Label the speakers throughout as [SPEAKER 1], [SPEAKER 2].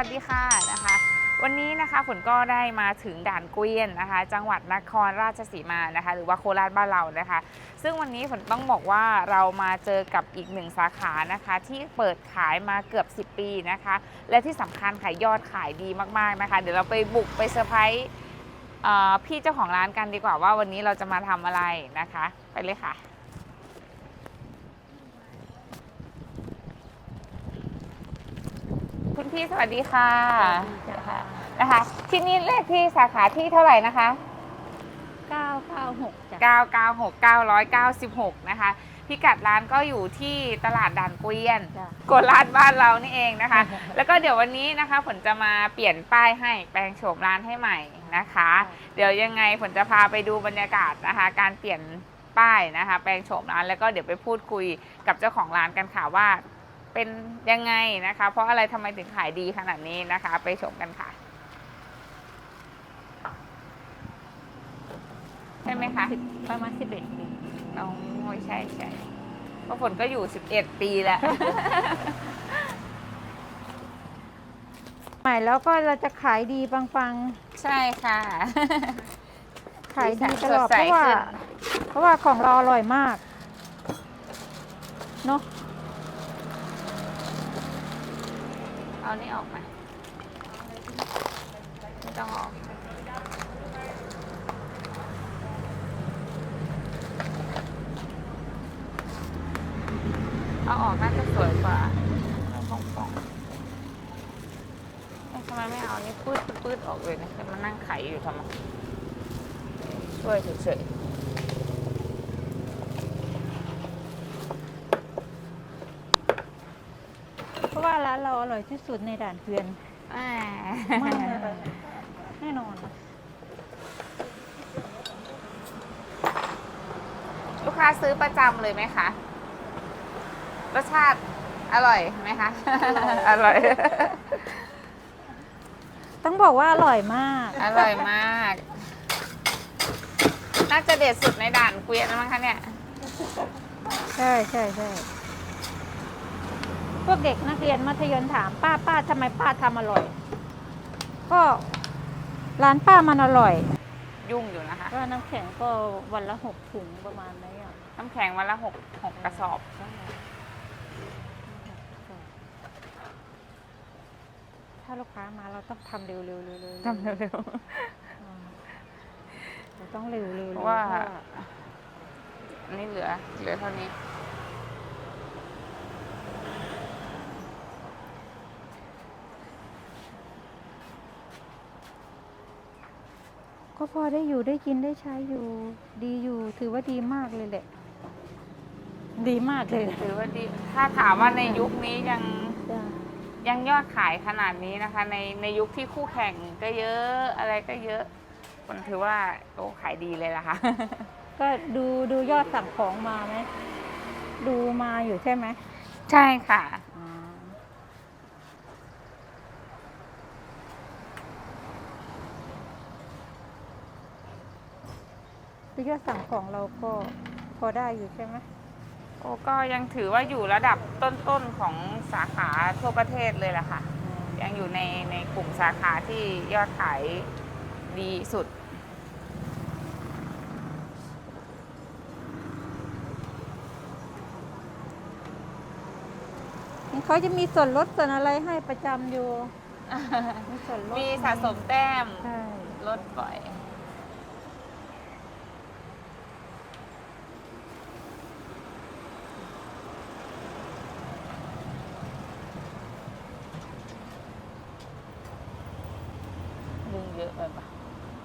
[SPEAKER 1] วัสดีค่ะนะคะวันนี้นะคะฝนก็ได้มาถึงด่านเกวียนนะคะจังหวัดนครราชสีมานะคะหรือว่าโคราชบ้านเรานะคะซึ่งวันนี้ฝนต้องบอกว่าเรามาเจอกับอีกหนึ่งสาขานะคะที่เปิดขายมาเกือบ10 ปีนะคะและที่สำคัญขายยอดขายดีมากๆนะคะเดี๋ยวเราไปบุกไปเซอร์ไพรส์พี่เจ้าของร้านกันดีกว่าว่าวันนี้เราจะมาทำอะไรนะคะไปเลยค่ะคุณพี่สวัสดีค่ะนะคะที่นี่เลขที่สาขาที่เท่าไหร่นะคะ
[SPEAKER 2] 996จ้ะ
[SPEAKER 1] 996 996นะคะพิกัดร้านก็อยู่ที่ตลาดด่านเกวียน
[SPEAKER 2] จ้ะ
[SPEAKER 1] โคราชบ้านเรานี่เองนะคะ แล้วก็เดี๋ยววันนี้นะคะฝนจะมาเปลี่ยนป้ายให้แปลงโฉมร้านให้ใหม่นะคะ เดี๋ยวยังไงฝนจะพาไปดูบรรยากาศนะคะการเปลี่ยนป้ายนะคะแปลงโฉมร้านแล้วก็เดี๋ยวไปพูดคุยกับเจ้าของร้านกันค่ะว่าเป็นยังไงนะคะเพราะอะไรทำไมถึงขายดีขนาดนี้นะคะไปชมกันค่ะใช่ไหมคะ
[SPEAKER 2] ประมาณ11 ปี
[SPEAKER 1] น้องใช่ใช่เพราะฝนก็อยู่11 ปีแล้ว
[SPEAKER 2] ใหม่แล้วก็เราจะขายดีปัง
[SPEAKER 1] ใช่ค่ะ
[SPEAKER 2] ๆ ขายดีตลอด
[SPEAKER 1] สดใส
[SPEAKER 2] เพราะว่าของเราอร่อยมากเนาะ
[SPEAKER 1] เอานี่ออกมาไม่ต้องออกเอาออกน่าจะสวยกว่าป่องๆทำไมไม่เอานี่ปืดออกเลยนะจะมานั่งไขอยู่ทำไมช่วยเฉย
[SPEAKER 2] เพราะว่าร้านเราอร่อยที่สุดในด่านเกวียน
[SPEAKER 1] ๆ
[SPEAKER 2] มากแน่นอน
[SPEAKER 1] ลูกค้าซื้อประจำเลยไหมคะรสชาติอร่อยไหมคะ อร่อย
[SPEAKER 2] ต้องบอกว่าอร่อยมาก
[SPEAKER 1] อร่อยมาก น่าจะเด็ดสุดในด่านเกวียนแล้วมั้งคะเนี่ย
[SPEAKER 2] ใช่ใช่ใช่พวกเด็กนักเรียนมัธยมถามป้าทำไมป้าทำอร่อย ก็ร้านป้ามันอร่อย
[SPEAKER 1] ยุ่งอยู่นะคะ
[SPEAKER 2] ก็น้ำแข็งก็วันละ6 ถุงประมาณนี้อ่ะ
[SPEAKER 1] น้ำแข็งวันละหกกระสอบ
[SPEAKER 2] ถ้าลูกค้ามาเราต้องทำเร็วๆ
[SPEAKER 1] ทำเร็ว
[SPEAKER 2] เราต้องเร็วๆ
[SPEAKER 1] ๆเพราะว่าอันนี้เหลือเท่านี้
[SPEAKER 2] ก็พอได้อยู่ได้กินได้ใช้อยู่ ดีอยู่ถือว่าดีมากเลยแหละ ดีมากเลย
[SPEAKER 1] ถือว่าดี ถ้าถามว่าในยุคนี้
[SPEAKER 2] จ้ะ
[SPEAKER 1] ยังยอดขายขนาดนี้นะคะ ในยุคที่คู่แข่งก็เยอะอะไรก็เยอะคนถือว่าโอ้ขายดีเลยล่ะค่ะ
[SPEAKER 2] ก็ดูยอดสั่งของมาไหมดูมาอยู่ใช่ไหม
[SPEAKER 1] ใช่ค่ะ
[SPEAKER 2] ดูยอดสั่งของเราก็พอได้อยู่ใช่ไหม
[SPEAKER 1] โอ้ก็ยังถือว่าอยู่ระดับต้นๆของสาขาทั่วประเทศเลยแหละค่ะ ยังอยู่ในกลุ่มสาขาที่ยอดขายดีสุด
[SPEAKER 2] เขาจะมีส่วนลดส่วนอะไรให้ประจำอยู่ มีส่วนลด
[SPEAKER 1] มีสะสมแต้ม
[SPEAKER 2] ใช่
[SPEAKER 1] ลดบ่อย ดึงเยอะไปปะ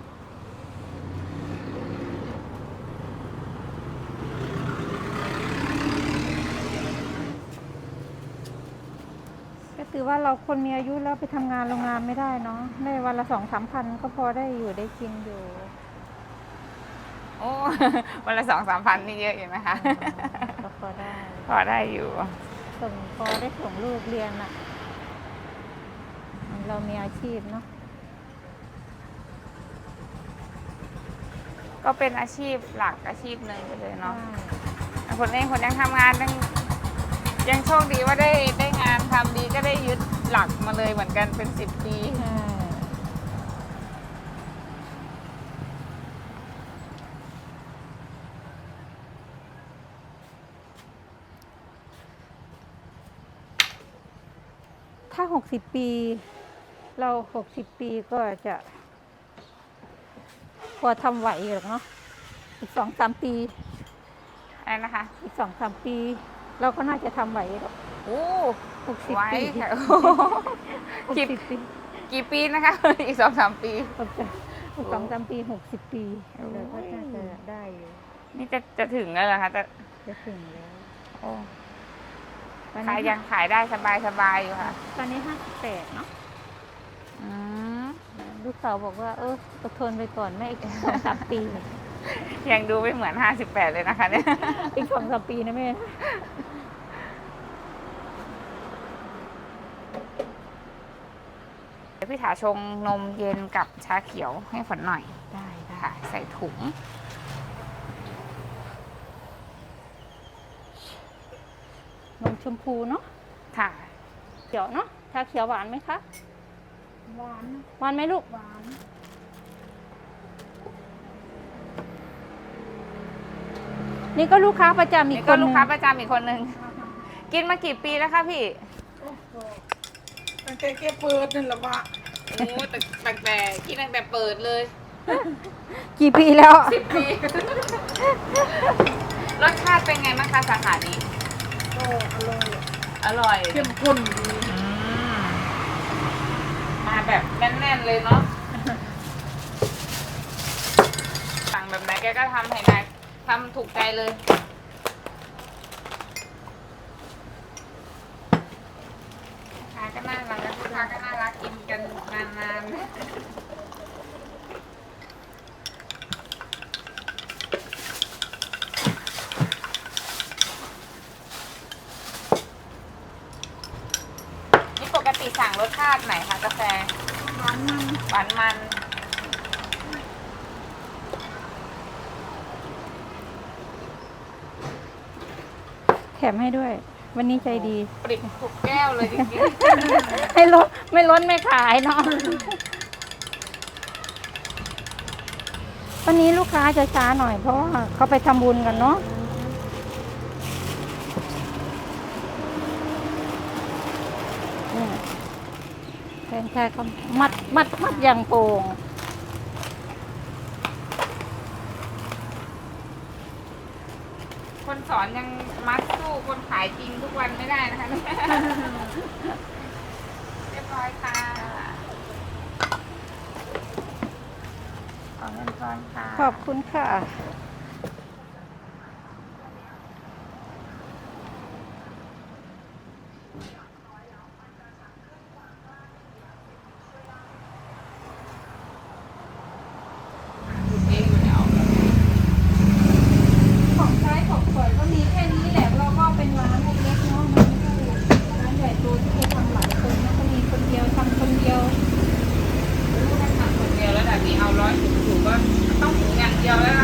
[SPEAKER 2] ก็ถือว่าเราคนมีอายุแล้วไปทำงานโรงงานไม่ได้เนาะได้วันละ2-3 พันก็พอได้อยู่ได้กินอยู่
[SPEAKER 1] โอ้ วันละ2-3 พันนี่เยอะอยู่นะคะ
[SPEAKER 2] ก็พอได้
[SPEAKER 1] พอได้อยู่
[SPEAKER 2] พอได้ส่งลูกเรียนอ่ะ เรามีอาชีพเนาะ
[SPEAKER 1] ก็เป็นอาชีพหลักอาชีพหนึ่งไปเลยเนาะ
[SPEAKER 2] ใช่
[SPEAKER 1] คนยังทำงานยังโชคดีว่าได้งานทำดีก็ได้ยึดหลักมาเลยเหมือนกันเป็น10 ปี
[SPEAKER 2] ถ้า60 ปี เรา60 ปีก็จะ พอทำไหวหรอกเนาะอีก2-3 ปี
[SPEAKER 1] อะไรนะคะ
[SPEAKER 2] อีก2-3 ปี เราก็น่าจะทำไหวหรอก
[SPEAKER 1] โอ้
[SPEAKER 2] 60
[SPEAKER 1] ไว้
[SPEAKER 2] ปี
[SPEAKER 1] ค่ะ
[SPEAKER 2] 60 ปี
[SPEAKER 1] กี่ปีนะคะ อีก2-3 ปี
[SPEAKER 2] 2-3 ปี60 ปีเราก็น่าจะได้อยู่
[SPEAKER 1] นี่จะถึงแล้วเหรอคะจะ
[SPEAKER 2] จะถึงแล้ว
[SPEAKER 1] โอ้
[SPEAKER 2] ตอน
[SPEAKER 1] ขาย
[SPEAKER 2] นี้
[SPEAKER 1] ยังขายได้สบายอยู่ค่ะ
[SPEAKER 2] ตอนนี้58เนาะ
[SPEAKER 1] อืม
[SPEAKER 2] ลูกสาวบอกว่าอดทนไปก่อนแม่อีก2-3 ปี
[SPEAKER 1] ยังดูไม่เหมือน58เลยนะคะเนี่ย
[SPEAKER 2] อีก2-3 ปีนะแม่
[SPEAKER 1] เดี๋ยวพี่ถาชงนมเย็นกับชาเขียวให้ฝนหน่อย
[SPEAKER 2] ได้ได้
[SPEAKER 1] ค่ะ ใส่ถุง
[SPEAKER 2] นมชมพูเนาะ
[SPEAKER 1] ค่ะ
[SPEAKER 2] เขียวเนาะชาเขียวหวานไหมคะ
[SPEAKER 3] หวาน
[SPEAKER 2] หวานไหมลูก
[SPEAKER 3] หวาน
[SPEAKER 2] นี่ก็ลูกค้าประจำอี
[SPEAKER 1] นี่
[SPEAKER 2] กค
[SPEAKER 1] ก็
[SPEAKER 2] นห
[SPEAKER 1] ลู
[SPEAKER 2] นึ่
[SPEAKER 1] ก
[SPEAKER 2] ง
[SPEAKER 1] ค้าประจำอีกคนนึง กินมากี่ปีแล้วคะพี่
[SPEAKER 3] โอ้โหตั้งแต่แกเปิดนั่นแหละวะ
[SPEAKER 1] โอ้แต่กินตั้งแต่เปิดเลย
[SPEAKER 2] กี่ปีแล้ว
[SPEAKER 1] 10 ปี รสชาติเป็นไงบ้างคะสาขานี้
[SPEAKER 3] ก็อร่อย
[SPEAKER 1] อร่อย
[SPEAKER 3] เข้มข้นดี
[SPEAKER 1] มาแบบแน่นๆเลยเนาะ สั่งแบบไหนแกก็ทำให้นายทำถูกใจเลยลูกค้าก็น่ารักลูกค้าก็น่ารักกินกันนานๆ นี่ปกติสั่งรสชาติไหนคะกาแฟ
[SPEAKER 3] หวานมัน
[SPEAKER 1] หวานมัน
[SPEAKER 2] แถมให้ด้วย วันนี้ใจดี
[SPEAKER 1] ปริบทุกแก้วเลยจริง
[SPEAKER 2] ให้ลดไม่ล้นไม่ขายเนาะ วันนี้ลูกค้าจะช้าหน่อยเพราะว่าเขาไปทำบุญกันเนาะเนี่ยแฟนชายเขามัดอย่างโป่ง
[SPEAKER 1] ๆ คนสอนยังมัดสู้คนขายจริงทุกวันไม่ได้นะคะ เรียบร้อยค่ะขอเงินทอนค่ะ
[SPEAKER 2] ขอบคุณค่ะ
[SPEAKER 1] เองอยู่แล้ว
[SPEAKER 2] ของใช้ของสวยก็มีแค่นี้แหละเราก็เป็นร้านเล็กๆเนาะมันไม่ใช่ร้านใหญ่โตที่จะทำหลายคนนะก็มีคนเดียวทำคนเดียว
[SPEAKER 1] ถ้าทำคนเดียวแล้วแบบนี้เอา100 ถุงก็ต้องถุงอย่างเดียวแล้ว